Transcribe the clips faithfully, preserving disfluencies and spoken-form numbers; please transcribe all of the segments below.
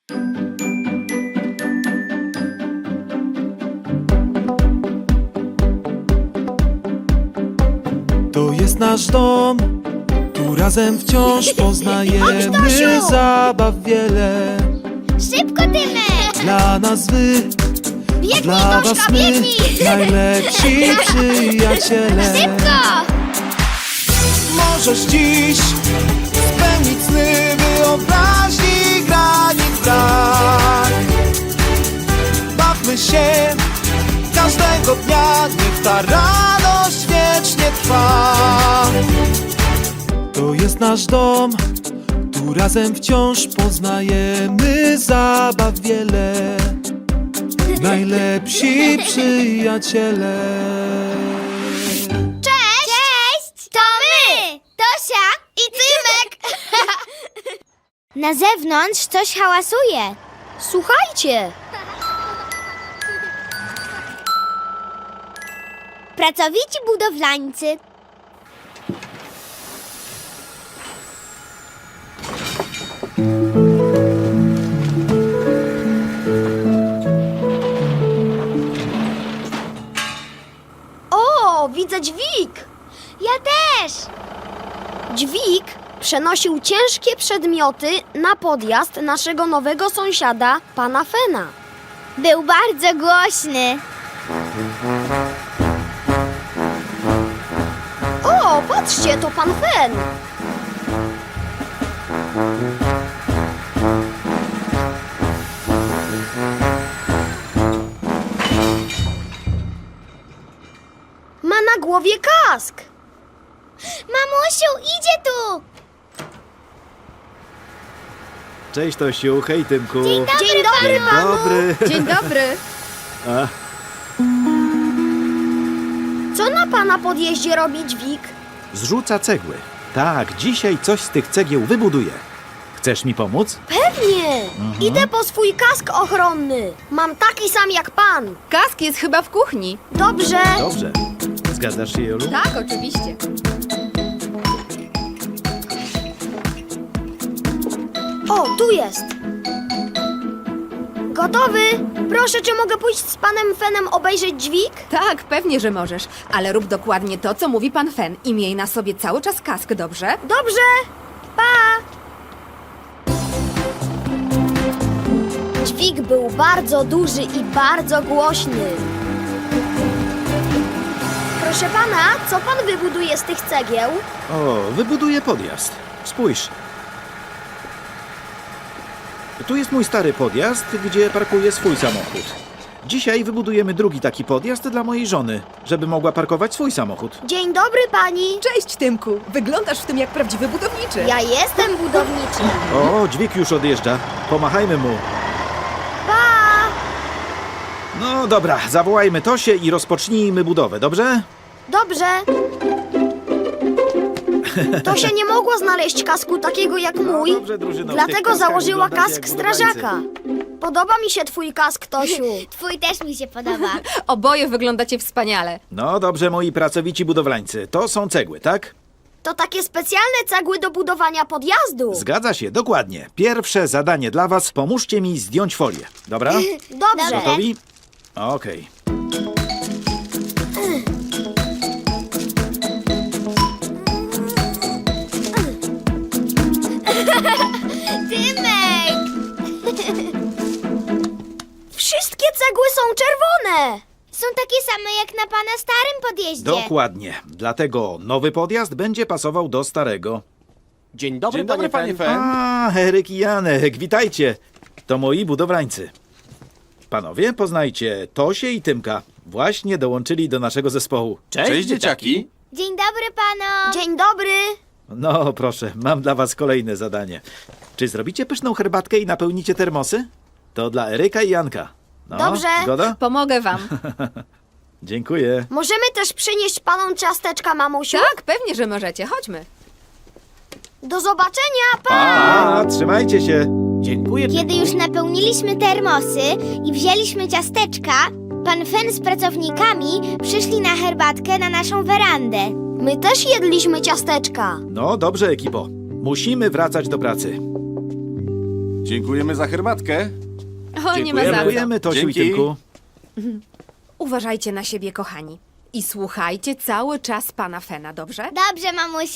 To jest nasz dom, tu razem wciąż poznajemy zabaw wiele. Szybko, Tymek! Dla nas wy, Biegnij, dla Gorzka, was my, biegnij! najlepsi przyjaciele. Szybko! Możesz dziś spełnić sny, wyobraźni granic brak. Bawmy się każdego dnia, niech ta radość wiecznie trwa. To jest nasz dom, tu razem wciąż poznajemy zabaw wiele. Najlepsi przyjaciele. Cześć! Cześć! To my! Tosia i Tymek! Na zewnątrz coś hałasuje. Słuchajcie! Pracowici budowlańcy. O, widzę dźwig! Ja też! Dźwig przenosił ciężkie przedmioty na podjazd naszego nowego sąsiada, pana Fena. Był bardzo głośny. O, patrzcie, to pan Fen! Ma na głowie kask! Mamusiu, idzie tu! Cześć Tosiu, hej Tymku. Dzień dobry, Dzień dobry, Dzień panu! dobry. Dzień dobry! A, Co na pana podjeździe robi dźwig? zrzuca cegły. Tak, dzisiaj coś z tych cegieł wybuduję. Chcesz mi pomóc? Pewnie! Idę po swój kask ochronny. Mam taki sam jak pan. Kask jest chyba w kuchni. Dobrze. Dobrze. Zgadzasz się, Jolu? Tak, oczywiście. O, tu jest. Gotowy? Proszę, czy mogę pójść z panem Fenem obejrzeć dźwig? Tak, pewnie, że możesz. Ale rób dokładnie to, co mówi pan Fen i miej na sobie cały czas kask, dobrze? Dobrze. Pa! Dźwig był bardzo duży i bardzo głośny. Proszę pana, co pan wybuduje z tych cegieł? O, wybuduję podjazd. Spójrz. Tu jest mój stary podjazd, gdzie parkuję swój samochód. Dzisiaj wybudujemy drugi taki podjazd dla mojej żony, żeby mogła parkować swój samochód. Dzień dobry, pani. Cześć, Tymku. Wyglądasz w tym jak prawdziwy budowniczy. Ja jestem budowniczy. O, dźwig już odjeżdża. Pomachajmy mu. Pa! No dobra, zawołajmy Tosię i rozpocznijmy budowę, dobrze? Dobrze. Tosia nie mogła znaleźć kasku takiego jak mój, No dobrze, drużyno, w tych dlatego kaskach założyła wyglądacie kask jak budowlańcy. strażaka. Podoba mi się twój kask, Tosiu. Twój też mi się podoba. Oboje wyglądacie wspaniale. No dobrze, moi pracowici budowlańcy. To są cegły, tak? To takie specjalne cegły do budowania podjazdu. Zgadza się, dokładnie. Pierwsze zadanie dla was. Pomóżcie mi zdjąć folię. Dobra? Dobrze. Dobra. Gotowi? Okej. Tymek! Wszystkie cegły są czerwone. Są takie same jak na pana starym podjeździe. Dokładnie. Dlatego nowy podjazd będzie pasował do starego. Dzień dobry, Dzień dobry, panie panie Fen. Fen. A, Eryk i Janek, witajcie. To moi budowlańcy. Panowie, poznajcie Tosię i Tymka. Właśnie dołączyli do naszego zespołu. Cześć, Cześć, dzieciaki. Dzień dobry panom! Dzień dobry. No, proszę, mam dla was kolejne zadanie. Czy zrobicie pyszną herbatkę i napełnicie termosy? To dla Eryka i Janka. No, Dobrze. Zgoda? Pomogę wam. Dziękuję. Możemy też przynieść panom ciasteczka, mamusiu? Tak, pewnie, że możecie. Chodźmy. Do zobaczenia, pa! A, trzymajcie się. Dziękuję. Kiedy już napełniliśmy termosy i wzięliśmy ciasteczka, pan Fen z pracownikami przyszli na herbatkę na naszą werandę. My też jedliśmy ciasteczka. No dobrze, ekipo. Musimy wracać do pracy. Dziękujemy za herbatkę. O, nie ma za co. Dziękujemy, Tosiu i Dzięki. Tymku. Uważajcie na siebie, kochani. I słuchajcie cały czas pana Fena, dobrze? Dobrze, mamusiu.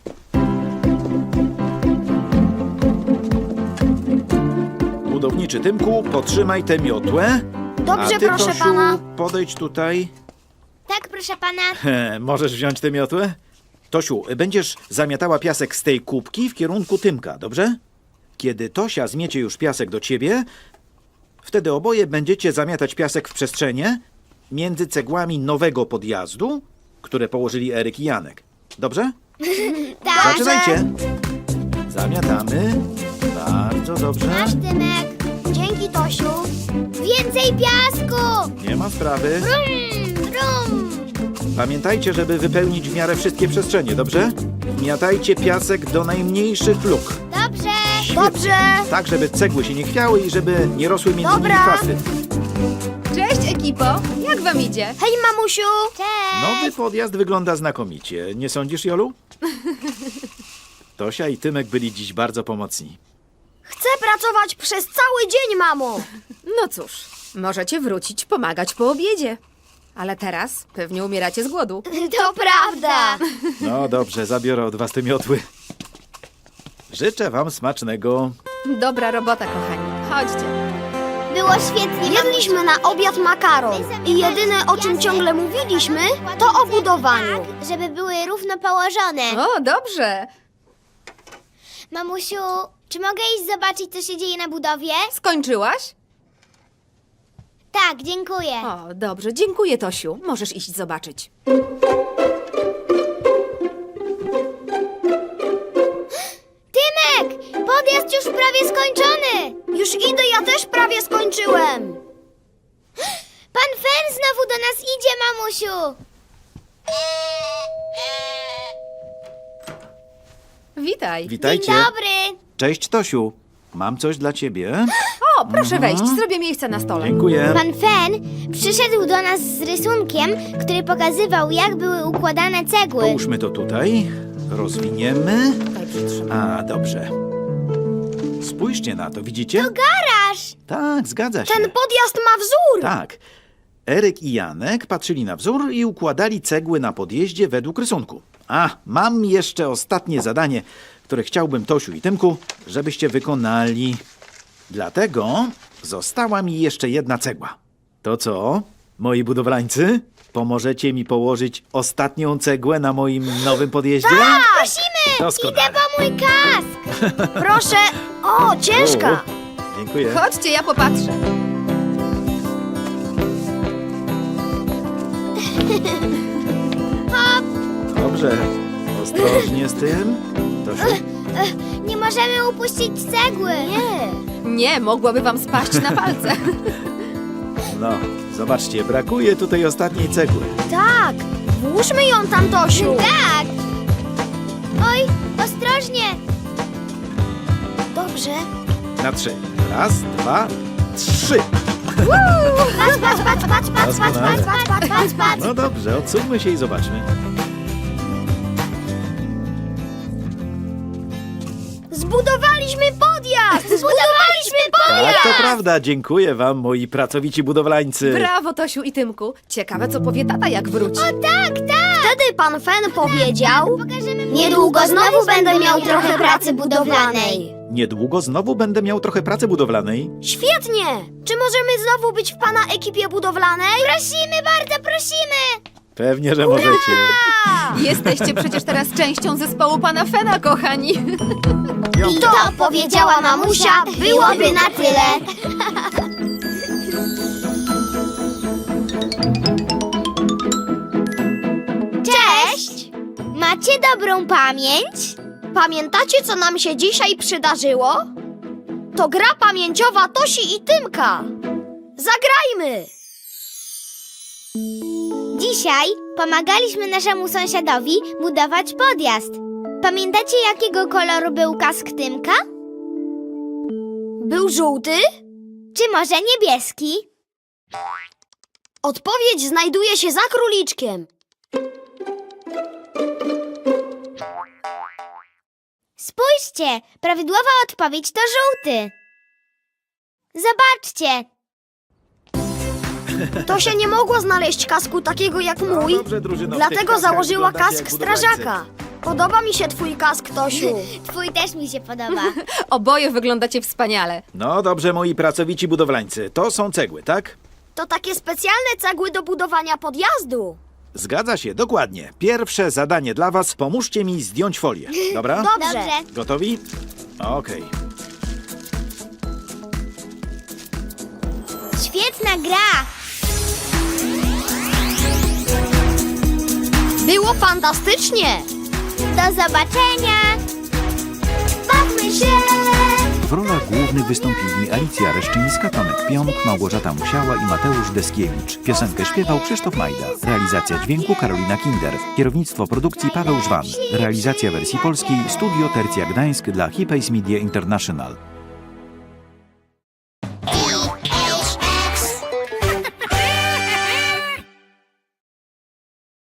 Budowniczy Tymku, potrzymaj tę miotłę. Dobrze, A ty, proszę Tosiu, pana. podejdź tutaj. Tak, proszę pana. He, możesz wziąć tę miotłę? Tosiu, będziesz zamiatała piasek z tej kubki w kierunku Tymka, dobrze? Kiedy Tosia zmiecie już piasek do ciebie, wtedy oboje będziecie zamiatać piasek w przestrzenie między cegłami nowego podjazdu, które położyli Eryk i Janek. Dobrze? Tak. Zaczynajcie. Zamiatamy. Bardzo dobrze. Masz, Tymek. Dzięki, Tosiu. Więcej piasku. Nie ma sprawy. Brum, brum. Pamiętajcie, żeby wypełnić w miarę wszystkie przestrzenie, dobrze? Miatajcie piasek do najmniejszych luk. Dobrze. Dobrze. Tak, żeby cegły się nie chwiały i żeby nie rosły między Dobra. nimi chwasty. Cześć, ekipo! Jak wam idzie? Hej, mamusiu. Cześć. Nowy podjazd wygląda znakomicie. Nie sądzisz, Jolu? Tosia i Tymek byli dziś bardzo pomocni. Chcę pracować przez cały dzień, mamo. No cóż, możecie wrócić pomagać po obiedzie. Ale teraz pewnie umieracie z głodu. To prawda. No dobrze, zabiorę od was te miotły. Życzę wam smacznego. Dobra robota, kochani. Chodźcie. Było świetnie. Jedliśmy na obiad makaron i jedyne, o czym ciągle mówiliśmy, to o budowaniu. Tak, żeby były równo położone. O, dobrze. Mamusiu, czy mogę iść zobaczyć, co się dzieje na budowie? Skończyłaś? Tak, dziękuję. O, dobrze. Dziękuję, Tosiu. Możesz iść zobaczyć. Tymek, podjazd już prawie skończony. Już idę, ja też prawie skończyłem. Pan Fen znowu do nas idzie, mamusiu. Witaj. Witajcie. Dzień dobry. Cześć, Tosiu. Mam coś dla ciebie. O, proszę wejść. Zrobię miejsce na stole. Dziękuję. Pan Fen przyszedł do nas z rysunkiem, który pokazywał, jak były układane cegły. Połóżmy to tutaj. Rozwiniemy. Tutaj przytrzymaj. A, dobrze. Spójrzcie na to, widzicie? Garaż. Tak, zgadza się. Ten podjazd ma wzór. Tak. Eryk i Janek patrzyli na wzór i układali cegły na podjeździe według rysunku. A, mam jeszcze ostatnie zadanie, które chciałbym, Tosiu i Tymku, żebyście wykonali. Dlatego została mi jeszcze jedna cegła. To co, moi budowlańcy? Pomożecie mi położyć ostatnią cegłę na moim nowym podjeździe? Tak, prosimy. Doskonale. Idę po mój kask. Proszę. O, ciężka. O, dziękuję. Chodźcie, ja popatrzę. Dobrze. Ostrożnie z tym. Tosiu. Nie możemy upuścić cegły. Nie. Nie, mogłaby wam spaść na palce. No, zobaczcie, brakuje tutaj ostatniej cegły. Tak. Włóżmy ją tam, Tosiu. Tak. Oj, ostrożnie. Dobrze. Na trzy. Raz, dwa, trzy. Patrz, patrz, patrz, patrz, patrz, patrz, patrz, patrz, patrz, patrz, patrz. No dobrze, odsuńmy się i zobaczmy. Zbudowaliśmy podjazd. Zbudowaliśmy podjazd. Tak, to prawda. Dziękuję wam, moi pracowici budowlańcy. Brawo, Tosiu i Tymku. Ciekawe, co powie tata, jak wróci. Tak, tak. Wtedy pan Fen powiedział, Pokażemy mu, niedługo jak znowu będę miał trochę pracy pracy budowlanej. Niedługo znowu będę miał trochę pracy budowlanej. Świetnie. Czy możemy znowu być w pana ekipie budowlanej? Prosimy, bardzo prosimy. Pewnie, że możecie. Jesteście przecież teraz częścią zespołu pana Fena, kochani. I to powiedziała mamusia, byłoby na tyle. Cześć! Macie dobrą pamięć? Pamiętacie, co nam się dzisiaj przydarzyło? To gra pamięciowa Tosi i Tymka. Zagrajmy! Dzisiaj pomagaliśmy naszemu sąsiadowi budować podjazd. Pamiętacie, jakiego koloru był kask Tymka? Był żółty? Czy może niebieski? Odpowiedź znajduje się za króliczkiem. Spójrzcie, prawidłowa odpowiedź to żółty. Zobaczcie! Tosia nie mogła znaleźć kasku takiego jak mój, No dobrze, drużyno, w tych dlatego kaskach założyła wyglądacie kask jak budowlańcy. strażaka. Podoba mi się twój kask, Tosiu. Twój też mi się podoba. Oboje wyglądacie wspaniale. No dobrze, moi pracowici budowlańcy, to są cegły, tak? To takie specjalne cegły do budowania podjazdu. Zgadza się, dokładnie. Pierwsze zadanie dla was, pomóżcie mi zdjąć folię, dobra? Dobrze. Dobrze. Gotowi? Okej. Świetna gra! Było fantastycznie. Do zobaczenia! Bawmy się! W rolach głównych wystąpili Alicja Reszczyńska, Tomek Pionk, Małgorzata Musiała i Mateusz Deskiewicz. Piosenkę śpiewał Krzysztof Majda. Realizacja dźwięku Karolina Kinder. Kierownictwo produkcji Paweł Żwan. Realizacja wersji polskiej Studio Tercja Gdańsk dla Hipays Media International.